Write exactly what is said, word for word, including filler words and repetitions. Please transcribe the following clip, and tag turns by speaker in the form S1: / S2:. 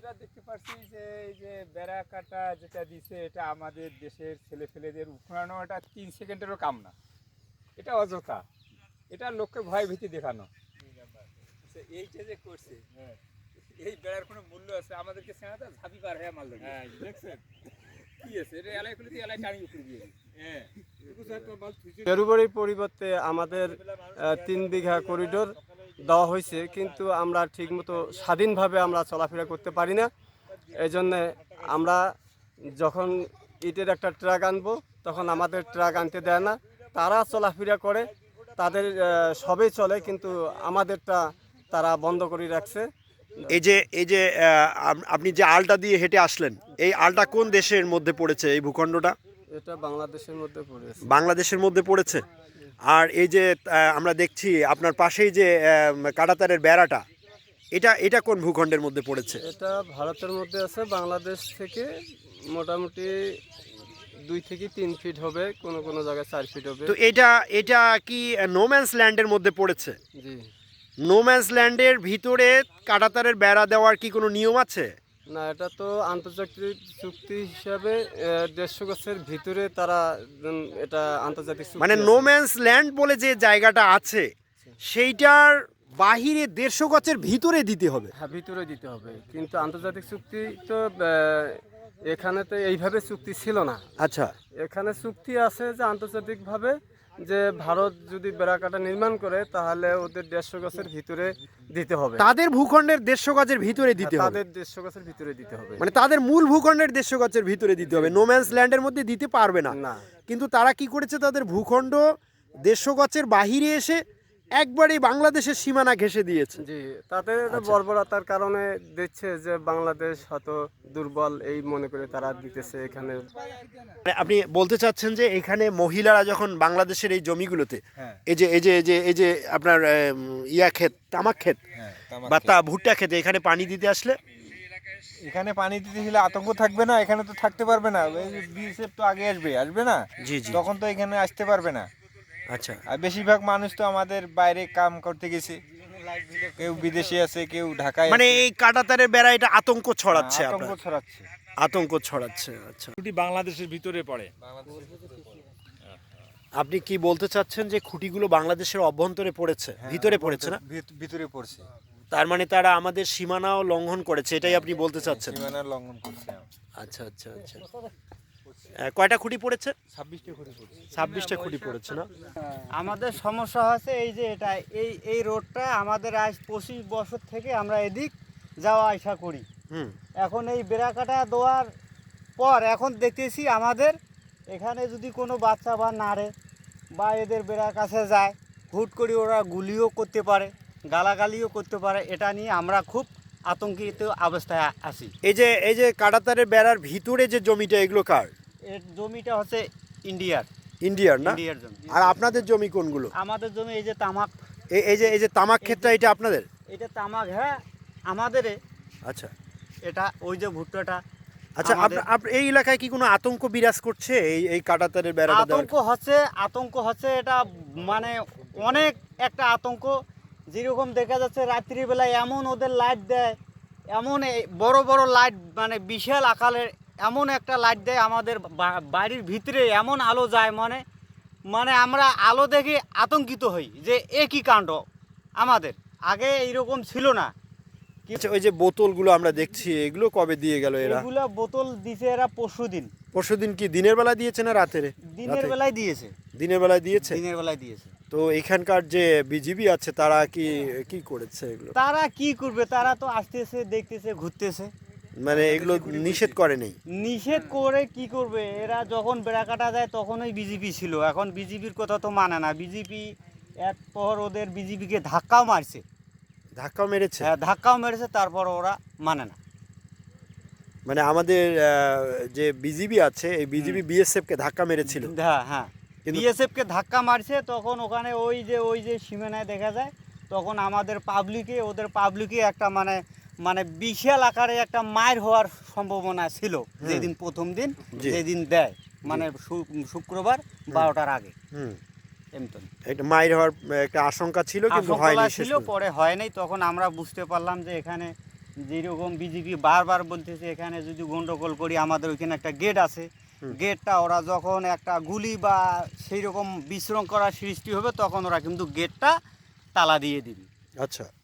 S1: যেটা দেখতে পাচ্ছি যে এই যে বেড়া কাটা যেটা দিছে এটা আমাদের দেশের ছেলেপেলেদের উখড়ানো, এটা তিন সেকেন্ডেরও কাম না, এটা অযথা, এটা লোককে ভয় ভীতি দেখানো। এইটা যে করছে এই বেড়ার কোনো মূল্য আছে? আমাদেরকে সেনাটা ঝাঁপি পার হয়ে মাল ধরে দেখছেন কি আছে এটা, এলাই খুলে দিয়ে এলাই টানি উপরে দিয়ে
S2: পেরুবাড়ির পরিবর্তে আমাদের তিন বিঘা করিডোর দেওয়া হয়েছে, কিন্তু আমরা ঠিকমতো স্বাধীনভাবে আমরা চলাফেরা করতে পারি না। এই জন্যে আমরা যখন ইটের একটা ট্রাক আনবো তখন আমাদের ট্রাক আনতে দেয় না, তারা চলাফেরা করে, তাদের সবই চলে, কিন্তু আমাদেরটা তারা বন্ধ করে রাখছে।
S3: এই যে এই যে আপনি যে আলটা দিয়ে হেঁটে আসলেন, এই আলটা কোন দেশের মধ্যে পড়েছে? এই ভূখণ্ডটা
S2: এটা বাংলাদেশের মধ্যে পড়েছে।
S3: বাংলাদেশের মধ্যে পড়েছে। আর এই যে আমরা দেখছি আপনার পাশেই যে কাঁটাতারের বেড়াটা, এটা এটা কোন ভূখণ্ডের মধ্যে পড়েছে?
S2: এটা ভারতের মধ্যে আছে, বাংলাদেশ থেকে মোটামুটি দুই থেকে তিন ফিট হবে, কোনো কোনো জায়গায় চার ফিট হবে।
S3: তো এটা এটা কি নোম্যান্স ল্যান্ডের মধ্যে পড়েছে?
S2: জি।
S3: নোম্যান্স ল্যান্ডের ভিতরে কাঁটাতারের বেড়া দেওয়ার কি কোনো নিয়ম আছে?
S2: না, এটা তো আন্তর্জাতিক চুক্তি হিসাবে দেড়শো গাছের ভিতরে তারা এটা আন্তর্জাতিক চুক্তি,
S3: মানে নোম্যান্স ল্যান্ড বলে যে জায়গাটা আছে সেইটার বাহিরে দেড়শো গাছের ভিতরে দিতে হবে।
S2: হ্যাঁ, ভিতরে দিতে হবে, কিন্তু আন্তর্জাতিক চুক্তি তো এখানে তো এইভাবে চুক্তি ছিল না।
S3: আচ্ছা,
S2: এখানে চুক্তি আছে যে আন্তর্জাতিকভাবে যে ভারত যদি বেড়াকাটা নির্মাণ করে তাহলে ওদের দেড়শো গাছের ভিতরে দিতে হবে,
S3: তাদের ভূখণ্ডের দেড়শো গাছের ভিতরে দিতে হবে,
S2: তাদের দেড়শো গাছের ভিতরে দিতে হবে,
S3: মানে তাদের মূল ভূখণ্ডের দেড়শো গাছের ভিতরে দিতে হবে, নোম্যান্স ল্যান্ডের মধ্যে দিতে পারবে না।
S2: না,
S3: কিন্তু তারা কি করেছে, তাদের ভূখণ্ড দেড়শো গাছের বাহিরে এসে একবারেই বাংলাদেশের সীমানা ঘেঁষে দিয়েছে।
S2: জি, তাদের বর্বরতার কারণে দেখছে যে বাংলাদেশ হয়তো দুর্বল, এই মনে করে তারা দিতেছে এখানে।
S3: আপনি বলতে চাচ্ছেন যে এখানে মহিলারা যখন বাংলাদেশের এই জমিগুলোতে এই যে এই যে এই যে এই যে আপনার ইয়া ক্ষেত, তামাক ক্ষেত বা তা ভুট্টা ক্ষেতে এখানে পানি দিতে আসলে,
S1: এখানে পানি দিতে গেলে আতঙ্ক থাকবে না? এখানে তো থাকতে পারবে না, বিএসএফ তো আগে আসবে আসবে না,
S3: জি জি,
S1: তখন তো এখানে আসতে পারবে না।
S3: আচ্ছা,
S1: আর বেশিরভাগ মানুষ তো আমাদের বাইরে কাম করতে গেছে, কেউ বিদেশে আছে, কেউ ঢাকায়,
S3: মানে এই কাঁটাতারের বেড়া এটা আতঙ্ক ছড়াচ্ছে,
S1: আতঙ্ক ছড়াচ্ছে,
S3: আতঙ্ক ছড়াচ্ছে। আচ্ছা,
S4: বাংলাদেশের ভিতরে পড়ে।
S3: আপনি কি বলতে চাচ্ছেন যে খুঁটিগুলো বাংলাদেশের অভ্যন্তরে পড়েছে, ভিতরে পড়েছে না?
S1: ভিতরে পড়ছে,
S3: তার মানে তারা আমাদের সীমানাও লঙ্ঘন করেছে, এটাই আপনি বলতে চাচ্ছেন?
S1: সীমানা লঙ্ঘন করছে।
S3: আচ্ছা আচ্ছা আচ্ছা, কয়টা খুঁটি পড়েছে?
S1: ছাব্বিশটা খুঁটি পড়ছে।
S3: ছাব্বিশটা খুঁটি পড়েছে না?
S5: আমাদের সমস্যা হচ্ছে এই যে এটা এই এই রোডটা আমাদের আজ পঁচিশ বছর থেকে আমরা এদিক যাওয়া আসা করি।
S3: হুম,
S5: এখন এই বেড়াকাটা দেওয়ার পর এখন দেখতেছি আমাদের এখানে যদি কোনো বাচ্চা বা নাড়ে বা এদের বেড়ার কাছে যায়, হুট করে ওরা গুলিও করতে পারে, গালাগালিও করতে পারে, এটা নিয়ে আমরা খুব আতঙ্কিত অবস্থায় আছি।
S3: এই যে এই যে কাঁটাতারের বেড়ার ভিতরে যে জমিটা, এগুলো কার?
S5: এর জমিটা হচ্ছে ইন্ডিয়ার।
S3: ইন্ডিয়ার না?
S5: ইন্ডিয়ার জমি।
S3: আর আপনাদের জমি কোনগুলো?
S5: আমাদের জমি এই যে তামাক,
S3: এই এই যে এই যে তামাক ক্ষেতটা, এটা আপনাদের?
S5: এটা তামাক, হ্যাঁ আমাদের।
S3: আচ্ছা
S5: এটা ওই যে ভুট্টাটা।
S3: আচ্ছা, আপনার এই এলাকায় কি কোনো আতঙ্ক বিরাজ করছে এই এই কাঁটাতারের বেড়া?
S5: আতঙ্ক হচ্ছে, আতঙ্ক হচ্ছে, এটা মানে অনেক একটা আতঙ্ক। যেরকম দেখা যাচ্ছে রাত্রিবেলায় এমন ওদের লাইট দেয়, এমন বড় বড় লাইট, মানে বিশাল আকারের এমন একটা লাইট দেয় আমাদের বাড়ির ভিতরে, এমন আলো যায়, মানে মানে আমরা আলো দেখে আতঙ্কিত হই যে এ কী কাণ্ড। আমাদের আগে এইরকম ছিল না।
S3: ওই যে বোতলগুলো আমরা দেখছি, এগুলো কবে দিয়ে গেল এরা?
S5: এগুলো বোতল দিছে এরা পরশু দিন।
S3: পরশু দিন কি দিনের বেলা দিয়েছে না রাতের?
S5: দিনের বেলায় দিয়েছে।
S3: দিনের বেলায় দিয়েছে?
S5: দিনের বেলায় দিয়েছে।
S3: তো এখানকার যে বিজিবি আছে তারা কি কি করেছে এগুলো?
S5: তারা কি করবে, তারা তো আসতেছে, দেখতেছে, ঘুরতেছে,
S3: মানে এগুলো নিষেধ করে নেই?
S5: নিষেধ করে কি করবে? এরা যখন বেড়া কাটা যায় তখনই বিজেপি ছিল, এখন বিজেপির কথা তো মানে না। বিজেপি এক পর ওদের বিজেপিকে ধাক্কাও মারছে।
S3: ধাক্কাও মেরেছে?
S5: হ্যাঁ, ধাক্কাও মেরেছে, তারপর ওরা মানে না।
S3: মানে আমাদের যে বিজিবি আছে, এই বিজিবি বিএসএফ কে ধাক্কা মেরেছিল?
S5: হ্যাঁ হ্যাঁ, বিএসএফ কে ধাক্কা মারছে, তখন ওখানে ওই যে ওই যে সীমানায় দেখা যায়, তখন আমাদের পাবলিকে, ওদের পাবলিকে একটা মানে মানে বিশাল আকারে একটা মার হওয়ার সম্ভাবনা ছিল যেদিন প্রথম দিন, যেদিন দেয়, মানে শুক্রবার বারোটার আগে।
S3: হুম,
S5: এমন
S3: একটা মার হওয়ার একটা আশঙ্কা ছিল, কিন্তু হয়নি,
S5: ছিল, পরে হয় নাই। তখন আমরা বুঝতে পারলাম যে এখানে যেরকম বিজেপি বারবার বলতেছে এখানে যদি গন্ডগোল করি আমাদের ওইখানে একটা গেট আছে, গেটটা ওরা যখন একটা গুলি বা সেই রকম বিশৃঙ্খলার সৃষ্টি হবে তখন ওরা কিন্তু গেটটা তালা দিয়ে দিবে।
S3: আচ্ছা